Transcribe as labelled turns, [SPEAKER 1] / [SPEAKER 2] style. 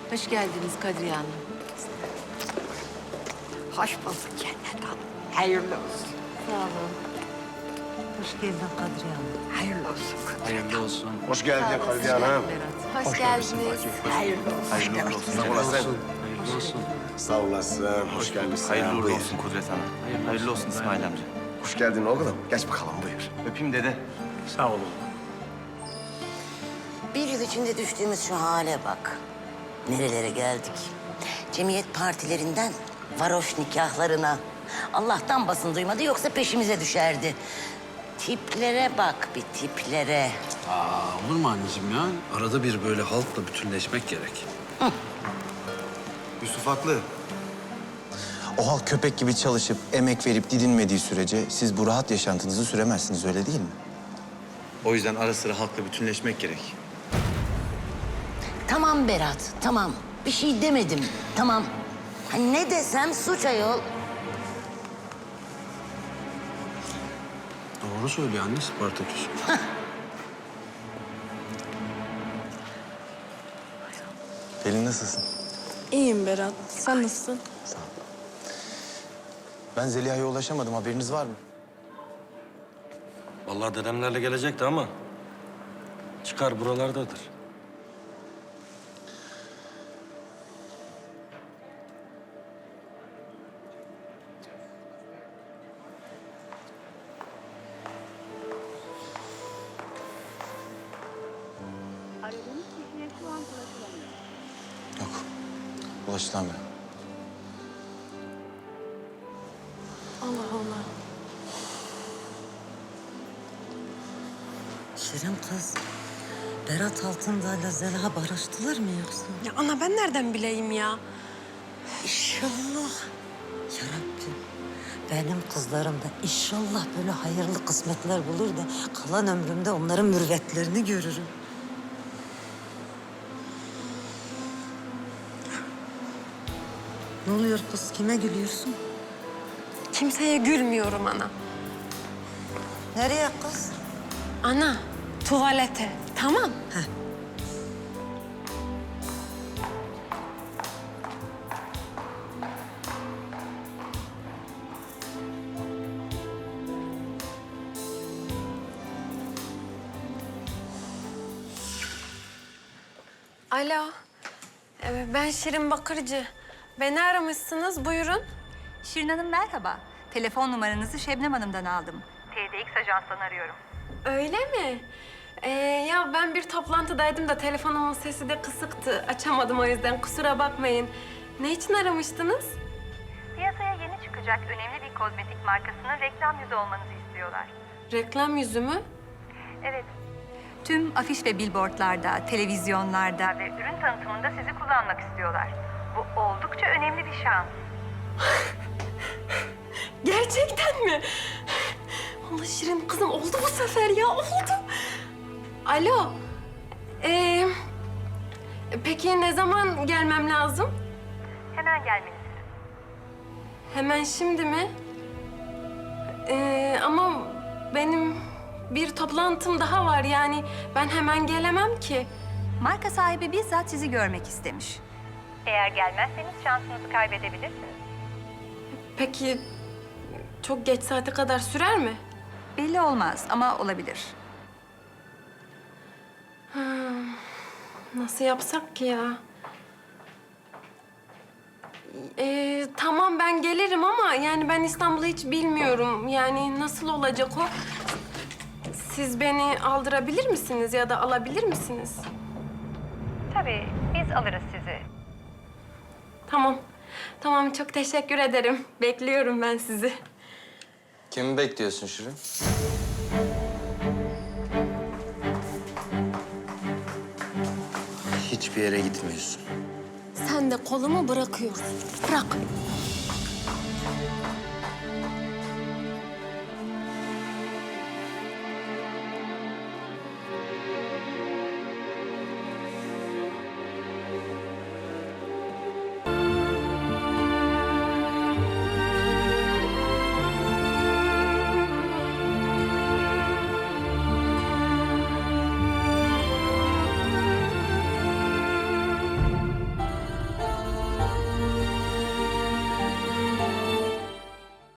[SPEAKER 1] Hoş geldiniz Kadriye Hanım.
[SPEAKER 2] Hoş bulduk Cennet Hanım. Hayırlı olsun.
[SPEAKER 1] Sağ olun.
[SPEAKER 3] Hoş geldin Kadriye Hanım.
[SPEAKER 2] Hayırlı olsun.
[SPEAKER 4] Hayırlı olsun.
[SPEAKER 5] Hoş geldin Kadriye Hanım.
[SPEAKER 1] Berat. Hoş geldiniz.
[SPEAKER 2] Hayırlı olsun.
[SPEAKER 4] Hayırlı olsun.
[SPEAKER 5] Sağ olasın.
[SPEAKER 4] Hayırlı olsun.
[SPEAKER 5] Sağ olasın. Hoş gelmişsin.
[SPEAKER 4] Hayırlı uğurlu
[SPEAKER 5] Buyur.
[SPEAKER 4] olsun Kudret Hanım. Hayırlı olsun İsmail amca.
[SPEAKER 5] Hoş geldin oğlum. Geç bakalım buyur.
[SPEAKER 4] Öpeyim dede.
[SPEAKER 6] Sağ olun.
[SPEAKER 3] Bir yıl içinde düştüğümüz şu hale bak. Nerelere geldik. Cemiyet partilerinden varoş nikahlarına. Allah'tan basın duymadı yoksa peşimize düşerdi. Tiplere bak bir tiplere.
[SPEAKER 6] Olur mu anneciğim ya? Arada bir böyle halkla bütünleşmek gerek.
[SPEAKER 5] Yusuf haklı.
[SPEAKER 7] O halk köpek gibi çalışıp, emek verip didinmediği sürece siz bu rahat yaşantınızı süremezsiniz, öyle değil mi?
[SPEAKER 4] O yüzden ara sıra halkla bütünleşmek gerek.
[SPEAKER 3] Tamam Berat, tamam. Bir şey demedim, tamam. Ha, ne desem suç ayol.
[SPEAKER 6] Doğru söylüyor anne Spartaküs.
[SPEAKER 7] Pelin nasılsın?
[SPEAKER 8] İyiyim Berat. Sen nasılsın?
[SPEAKER 7] Sağ ol. Ben Zeliha'ya ulaşamadım, haberiniz var mı?
[SPEAKER 9] Vallahi dedemlerle gelecekti ama çıkar buralardadır.
[SPEAKER 7] Yok, ulaşılamıyor.
[SPEAKER 8] Allah Allah.
[SPEAKER 3] Şirin kız, Berat Altındağ'la Zeliha barıştılar mı yoksa?
[SPEAKER 8] Ya ana ben nereden bileyim ya?
[SPEAKER 3] İnşallah. Ya Rabbim, benim kızlarım da inşallah böyle hayırlı kısmetler bulur da kalan ömrümde onların mürüvvetlerini görürüm. Ne oluyor kız? Kime gülüyorsun?
[SPEAKER 8] Kimseye gülmüyorum ana.
[SPEAKER 3] Nereye kız?
[SPEAKER 8] Ana, tuvalete. Tamam. Alo. Ben Şirin Bakırcı. Beni aramışsınız. Buyurun.
[SPEAKER 10] Şirin Hanım merhaba. Telefon numaranızı Şebnem Hanım'dan aldım. TDX Ajans'tan arıyorum.
[SPEAKER 8] Öyle mi? Ya ben bir toplantıdaydım da telefonumun sesi de kısıktı. Açamadım o yüzden. Kusura bakmayın. Ne için aramıştınız?
[SPEAKER 10] Piyasaya yeni çıkacak önemli bir kozmetik markasının reklam yüzü olmanızı istiyorlar.
[SPEAKER 8] Reklam yüzü mü?
[SPEAKER 10] Evet. Tüm afiş ve billboardlarda, televizyonlarda ve ürün tanıtımında sizi kullanmak istiyorlar. Bu oldukça önemli bir şans.
[SPEAKER 8] Gerçekten mi? Allah Şirin kızım oldu bu sefer ya oldu. Alo. Peki ne zaman gelmem lazım?
[SPEAKER 10] Hemen gelmenizi.
[SPEAKER 8] Hemen şimdi mi? Ama benim bir toplantım daha var yani ben hemen gelemem ki.
[SPEAKER 10] Marka sahibi bizzat sizi görmek istemiş. Eğer gelmezseniz şansınızı kaybedebilirsiniz.
[SPEAKER 8] Peki çok geç saate kadar sürer mi?
[SPEAKER 10] Belli olmaz ama olabilir.
[SPEAKER 8] Nasıl yapsak ki ya? Tamam ben gelirim ama yani ben İstanbul'u hiç bilmiyorum. Yani nasıl olacak o? Siz beni aldırabilir misiniz ya da alabilir misiniz?
[SPEAKER 10] Tabii biz alırız sizi.
[SPEAKER 8] Tamam. Tamam çok teşekkür ederim. Bekliyorum ben sizi.
[SPEAKER 7] Kimi bekliyorsun Şirin? Hiçbir yere gitmiyorsun.
[SPEAKER 8] Sen de kolumu bırakıyorsun. Bırak.